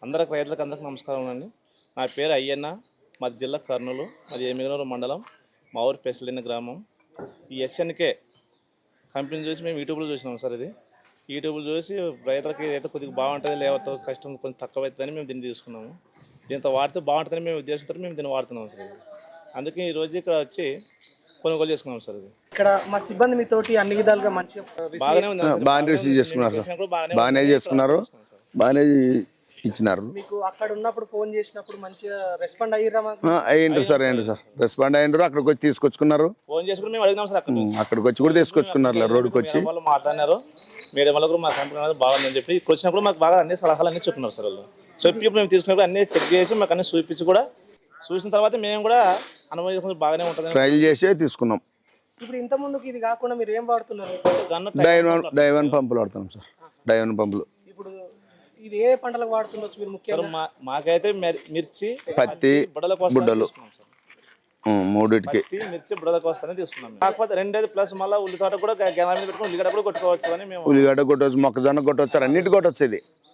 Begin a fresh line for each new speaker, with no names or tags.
అందరికి నమస్కారం అండి. నా పేరు అయ్యన్న. మాది జిల్లా కర్నూలు. మాది ఎమ్మిగనూరు మండలం. మా ఊరు పెసలిన గ్రామం. ఈ ఎస్ఎన్కే కంపెనీ చూసి మేము యూట్యూబ్లో చూసినాం సార్. ఇది యూట్యూబ్లో చూసి రైతులకి ఏదైతే కొద్దిగా బాగుంటుంది, లేకపోతే కష్టం కొంచెం తక్కువ అవుతుందని మేము దీన్ని తీసుకున్నాము. దీంతో వాడితే బాగుంటుందని మేము ఉద్దేశంతో మేము దీన్ని వాడుతున్నాం సార్. అందుకే ఈరోజు ఇక్కడ వచ్చి కొనుగోలు చేసుకున్నాం సార్. ఇది
ఇక్కడ మా సిబ్బంది మీతోటి అన్ని విధాలుగా మంచిగా
బాగానే ఉంది.
బాగానే రిసీవ్ చేసుకున్నారు సార్. బాగానే చేసుకున్నారు, బాగానే ఇచ్చినారు.
మీకు అక్కడ ఉన్నప్పుడు ఫోన్ చేసినప్పుడు మంచిగా రెస్పాండ్ అయ్యారా?
అయ్యిండ్రు సార్, రెస్పాండ్ అయ్యిండ్రు. అక్కడికి వచ్చి తీసుకొచ్చుకున్నారు.
ఫోన్ చేసుకుని మేము అడిగినాం సార్.
అక్కడికి వచ్చి కూడా తీసుకొచ్చుకున్నారు. రోడ్డుకి వచ్చి
వాళ్ళు మాట్లాడినారు. మీడియా వల్ల కూడా మా కంపెనీ అనేది బాగుందని చెప్పి ఇక్కడ వచ్చినప్పుడు మాకు బాగా అన్ని సలహాలు అన్నీ చెప్తున్నారు సార్. వాళ్ళు చెప్పి ఇప్పుడు మేము తీసుకున్నప్పుడు అన్ని చెక్ చేసి మాకు అన్ని చూపించి కూడా చూసిన తర్వాత మేము కూడా అనుభవం బాగానే ఉంటుంది
ట్రైల్ చేసి తీసుకున్నాం.
ఇప్పుడు ఇంత ముందుకు ఇది కాకుండా మీరు ఏం వాడుతున్నారు?
డైవన్ పంపులు వాడుతున్నాం సార్. డైవన్ పంపులు
ఇప్పుడు ఇది ఏ పంటలకు వాడుతుండొచ్చు మీరు ముఖ్యంగా?
మాకైతే మిర్చి,
పత్తి, బుడ్డలు మూడింటికి
మిర్చి బుడల కోసమే తీసుకున్నాం. కాకపోతే రెండేది ప్లస్ మళ్ళీ ఉల్లితోట కూడా గెల మీద పెట్టుకుని ఉల్లిగడ్డ కూడా కొట్టుకోవచ్చు అని మేము.
ఉల్లిగడ్డ కొట్టవచ్చు, మొక్కజొన్న కొట్టవచ్చు సార్, అన్నిటి కొట్టవచ్చు. ఇది